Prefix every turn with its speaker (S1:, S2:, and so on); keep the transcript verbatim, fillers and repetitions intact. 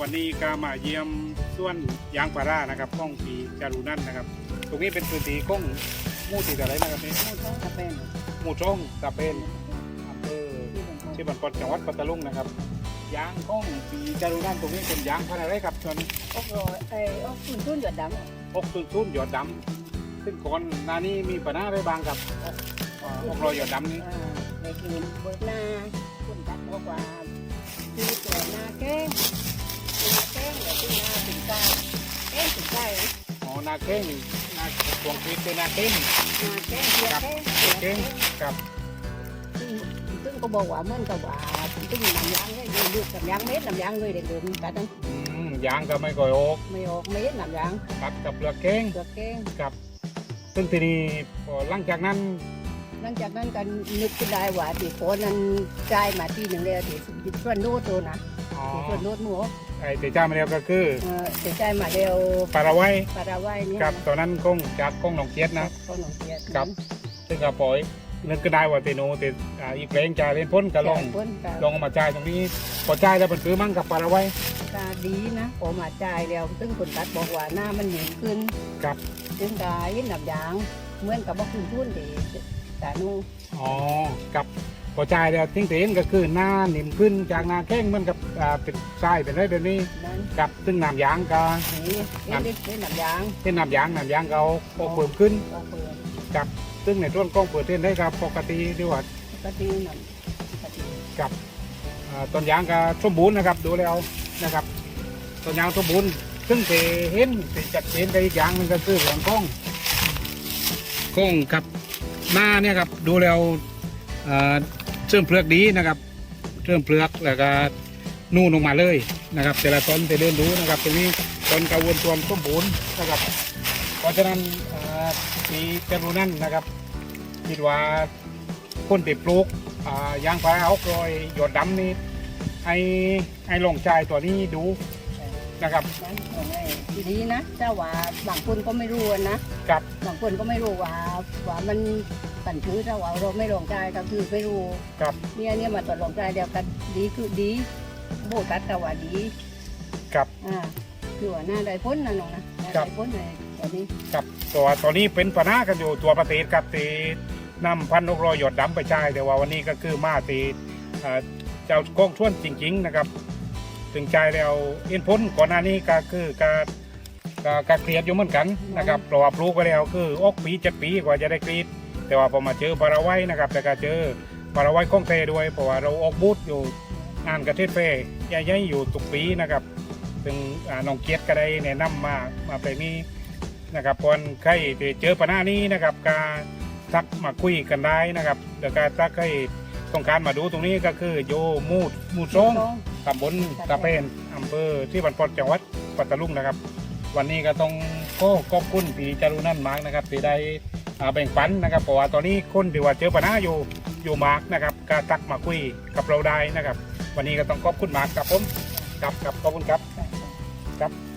S1: วันนี้ก็มาเยี่ยมส่วนยางพารานะครับข้องปีจารุนันท์นะครับตรงนี้เป็นพื้นที่ข้องมู่ติดอะไรนะครับนี่
S2: หมู่ช่องตะเป็น
S1: หมู่ช่องตะเป็นอำเภอที่บันปดจังหวัดปัตตานีนะครับยางข้องปีจารุนันท์ตรงนี้เป็นยางพันธุ์อะไรครับชน
S2: อกรอยไอ้อกคุณทุ่นหยดดำ
S1: อกตุ้นตุ้นหยอดดำซึ่งก่อนหน้านี้มีปัญหาอะไรบ้างครับอกอ่าอกรอยหยอดดำนี้
S2: อ่าในคืนเบิกหน้าคุณตัดบอกว่าคือตัวหน้าแก้งหน้าแก้งแต่ที่หน้าถึงใจแก้งถึงใจนะ
S1: อ๋อนาเก้งนาดวงปีเป็นนาเก้ง
S2: หน้าแก้งเสียแก้งเสีย
S1: เก้
S2: แก้
S1: ง
S2: ง
S1: กับ
S2: ซึ่งซึ่งก็บอกว่าเหมื่อนกับว่าซึ่งนำยางเนี่ยอยู่ลูกกับยางเม็ดนำยางเลยเด็กเดิมกันนั้น
S1: อืมยางก็ไม่ก่อยออก
S2: ไม่ออกเม็ดนำยาง
S1: กับกับเปลือกเก้ง
S2: เสือแก้ง
S1: กับซึ่งทีนี้พอหลังจากนั้น
S2: หลังจากนั้นกันนึกขึ้นได้ว่าที่โคนนั้นจ่ายมาที่หนึ่งเลยที่ส่วนโน้ตตัวนะ
S1: อ๋อ
S2: ที่ส่วนโน้ตหมู
S1: ไอ้เตจ้ามาเรียวก็คือ
S2: เออที่จ่ายมาเร็ว
S1: ปาราไว้
S2: ปาราไว้เนี่ย
S1: กับตอนนั้นกงจากกงหนองเกียดนะ
S2: ก็หนองเกียรติ
S1: ครับ ซึ่งก็ปล่อยนึกก็ได้ว่าเตโนเตอ่าอีกเพลงจ่ายเล่นพ้นก็ลอง
S2: พ้นก็
S1: ลองเอามาจ่ายตรงนี้พอจ่ายแล้วมันคือมั่งกับปาราไว้
S2: ตาดีนะพอมาจ่ายแล้วซึ่งคนตัดบอกว่าหน้ามันเหนียวขึ้น
S1: ครับ
S2: ซึ่งกายหนับยางเหมือนกับว่าคุณทุนที่ตานู
S1: อ๋อกับพอจ่ายแล้วทิ้งเตนก็คือหน้าหนิมขึ้นจากหน้าแข้งเหมือนกับอ่าเป็นทรายเป็นอะไรแบบนี้
S2: นั้น
S1: กับซึ่งน้ำยางก็
S2: นี่เอ็นได้ได้หนับยาง
S1: เช่นน้ำยางน้ำยางก็เอาเอาเพิ่มขึ้น
S2: ก็เปิด
S1: กับซึ่งในต้นกล้องเปิดเต้นได้ครับปกติดีกว่า
S2: ปฏิหนับปฏิ
S1: กับอ่าต้นยางก็สมบูรณ์นะครับดูแล้วนะครับต้นยางสมบูรณ์ซึ่งเตเห็นเตจัดเจนได้อีกอย่างหนึงก็คือเรื่องกล้องกล้องกับหน้าเนี่ยครับดูแล้วอ่าเชื่อมเปลือกดีนะครับเชื่อมเปลือกแล้วก็นู่นลงมาเลยนะครับแต่ละต้นไปเดินดูนะครับตรงนี้ต้นกระวนตัวสมบูรณ์นะครับเพราะฉะนั้นอ่าปีจารุนันท์นะครับคิดว่าคนติดปลูกอ่ายางพาราเอากรอยหยดดำนี่ให้ให้ลองใจตัวนี้ดูนะครับ
S2: นั้นของไอ้ดีนะเจ้าว่าบางคนก็ไม่รู้นะ
S1: กับบ
S2: างคนก็ไม่รู้ว่าว่ามันปั่นถือเจ้าว่าเราไม่ลองใจก็คือไม่รู้
S1: กับ
S2: เนี่ยเนี่ยมาตรวจลองใจเดียวกันดีคือดีโบตัดก็ว่าดี
S1: กับ
S2: อ่าคือว่าหน้าได้พ้นนะน้องนะหน้า
S1: ครับ
S2: ได้พ้นในตอนนี้
S1: กับตัวตัวนี้เป็นปัญหากันอยู่ตัวประเทศกับตีนำพันนกรอยหยดดำไปใช้แต่ว่าวันนี้ก็คือมาตีเอ่อเจ้ากองช่วนจริง ๆนะครับ ถึงใจแล้วเอ็นพ้นก่อนหน้านี้ก็คือการการเครียดอยู่เหมือนกันนะครับเพราะว่าปลูกไปแล้วคืออกปีเจ็ดปีกว่าจะได้กรีดแต่ว่าพอมาเจอปาราไว้นะครับแต่ก็เจอปาราไว้คงเทด้วยเพราะว่าเราออกบูธอยู่งานกระเทศเฟ่ใหญ่ๆอยู่ทุกปีนะครับซึ่งอ่าน้องเกียรติก็ได้แนะนำมามาไปนี้นะครับคนใครที่เจอปัญหานี้นะครับการทักมาคุยกันได้นะครับเดี๋ยวการถ้าใครต้องการมาดูตรงนี้ก็คือโยมูดมูดซง ตำบลตะเป็นอำเภอที่บันปดจังหวัดปัตตานีนะครับ วันนี้ก็ต้องขอขอบคุณพี่จารุนันท์มากนะครับที่ได้อ่าแบ่งปันนะครับเพราะว่าตอนนี้คนที่ว่าเจอปัญหาอยู่อยู่มากนะครับก็ตักมาคุยกับเราได้นะครับ วันนี้ก็ต้องขอบคุณมากครับผมครับครับขอบคุณครับครับ